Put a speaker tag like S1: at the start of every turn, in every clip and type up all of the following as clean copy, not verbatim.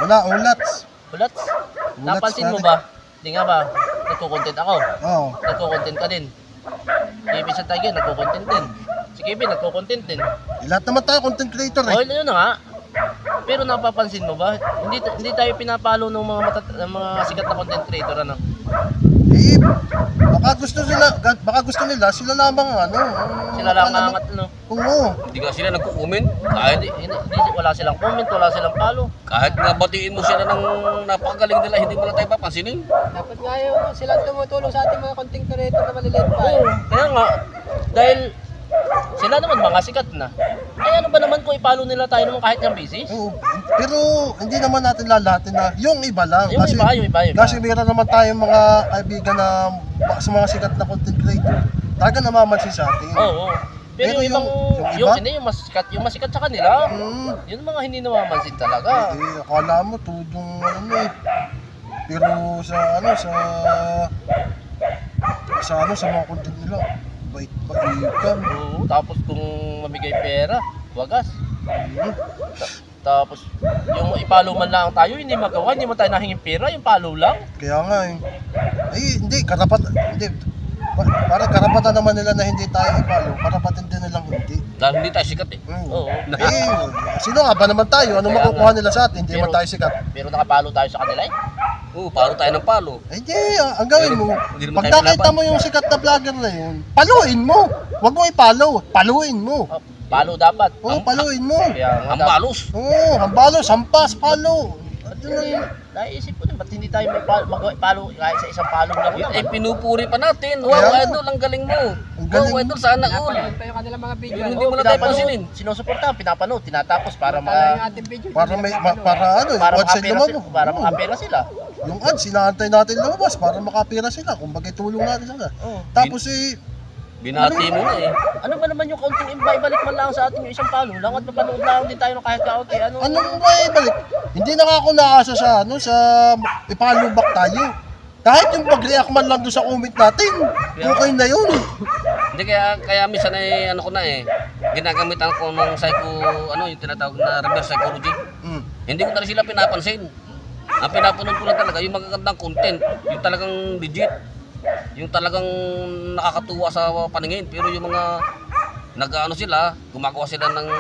S1: Wala, ulats.
S2: Ulats?
S1: Ulats
S2: Napansin mo
S1: natin.
S2: ba? Hindi nga ba? Nagko-content ako.
S1: Oo.
S2: Nagko-content ka din. Kevin sa Tiger, nagko-content din. Si Kevin, nagko-content din.
S1: Lahat naman tayo content creator
S2: Oh,
S1: eh.
S2: yun na nga. Pero napapansin mo ba? Hindi tayo pinapalo ng ng mga sikat na content creator, ano?
S1: Eh, baka gusto nila, sila lamang ano.
S2: Sila lang angat, ano?
S1: Oo.
S3: Hindi nga sila nagko-comment. Kahit,
S2: Wala silang comment, wala silang follow.
S3: kahit nga batiin mo sila ng napakagaling nila, hindi mo na tayo papansinin.
S4: Dapat nga yung silang tumutulong sa ating mga content creator na maliliit pa.
S2: Oo, kaya nga, dahil sila naman mga sikat na. Ay ano ba naman kung ipalo nila tayo naman kahit yung busy?
S1: Oo. Pero hindi naman natin lalahatin na yung iba lang.
S2: Yung iba.
S1: Kasi meron naman tayong mga kaibigan na sa mga sikat na content creator. Talaga namamansin sa atin.
S2: Oo. Pero yung ibang,
S1: yung iba?
S2: hindi, yung mas sikat sa kanila.
S1: Hmm.
S2: Yun mga hindi namamansin talaga.
S1: Eh, akala mo tudong ano eh. Pero sa mga content nila, bait-baitan.
S2: Oo, tapos kung mamigay pera, wagas.
S1: Hmm.
S2: Tapos yung ipalo man lang tayo, hindi magawa, hindi man tayo nahinging pera, yung palo lang.
S1: Kaya nga eh. Eh, hindi, parang karapatan naman nila na hindi tayo ipalo. Karapatan din nilang hindi.
S3: Dahil hindi tayo sikat eh.
S2: Oo.
S1: Eh, sino nga ba naman tayo? Anong
S2: Kaya
S1: makukuha
S2: nga.
S1: nila sa atin? Hindi
S2: Pero-
S1: naman tayo sikat.
S2: Pero nakapalo tayo sa kanila eh.
S3: Oo, palo tayo ng palo.
S1: Eh, hindi, ang gawin mo,
S3: Hindi naman
S1: pag
S3: tayo
S1: nakita
S3: laban.
S1: mo yung sikat na vlogger na yun, paluin mo. Huwag mo ipalo, paluin mo.
S2: Oh, palo dapat.
S1: Oo, paluin mo.
S2: Kaya nga
S3: Ang balos.
S1: Oo, hambalo, sampas, palo. Ano lang,
S2: Naisip ko din, ba't hindi tayo may palo kahit sa isang palo lang
S3: Yun
S2: lang?
S3: ay pinupuri pa natin.
S1: Kaya
S3: Wow,
S1: nga.
S3: idol, ang galing mo.
S1: Ang galing
S3: Wow,
S1: mo.
S3: idol, sana all.
S4: Napanood pa yung kanilang mga video.
S3: Yun, hindi
S2: Oo,
S3: mo na tayo
S2: pinapanood,
S3: pansinin.
S2: sinusuporta, pinapanood, tinatapos para
S4: Tala yung
S2: ma
S4: ating video.
S1: para ano,
S2: para
S1: yung ads ay
S2: makapera
S1: lumabas.
S2: sila, para
S1: Oo.
S2: makapera sila.
S1: Yung ads, sinaantay natin lumabas para makapira sila. Kung bagay tulong natin sila.
S2: Oo.
S1: Tapos eh,
S3: Binati mo na eh.
S2: Ano ba naman yung kaunting ibalik man lang sa atin yung isang palo lang at mapanood lang din tayo ng kahit kaunti.
S1: anong ba balik? Hindi na nga ako naasa sa ipalubak tayo. Kahit yung pag-react man lang doon sa comment natin, okay na yun.
S3: Hindi kaya minsan ay ano ko na eh. Ginagamitan ko ng yung tinatawag na reverse psychology.
S1: Mm.
S3: Hindi ko talaga sila pinapansin. Ang pinapanood ko lang talaga yung magagandang content, yung talagang legit, yung talagang nakakatuwa sa paningin. Pero yung mga nag-ano sila, gumagawa sila ng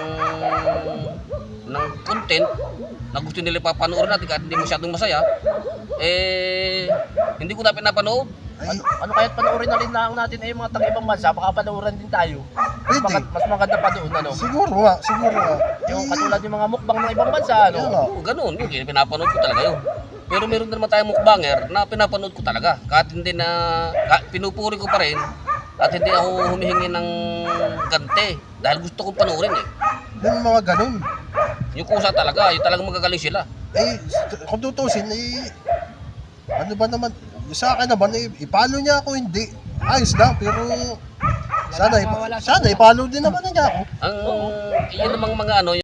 S3: content na gusto nila papanoorin natin kahit hindi masyadong masaya, eh hindi ko na pinapanood.
S1: Ay,
S2: Ano kaya't panoorin na rin lang natin ay mga taga-ibang bansa, baka panoorin din tayo.
S1: Pwede.
S2: Mas maganda pa doon, ano?
S1: siguro nga.
S2: Yung katulad yung mga mukbang ng ibang bansa, ano?
S1: Yan nga.
S3: Oo, ganun. Yun, pinapanood ko talaga yun. Pero meron na naman tayong mukbanger na pinapanood ko talaga. Kahit hindi pinupuri ko pa rin at hindi ako humihingi ng gante dahil gusto kong panoorin eh.
S1: Yung mga ganun.
S3: Yung kusa talaga, yung talagang magagaling sila.
S1: Eh, kung tutusin, ano ba naman, sa akin naman, ipalo niya ako, hindi. Ayos lang, pero sana ipalo din naman niya ako.
S3: Ang yun namang mga ano,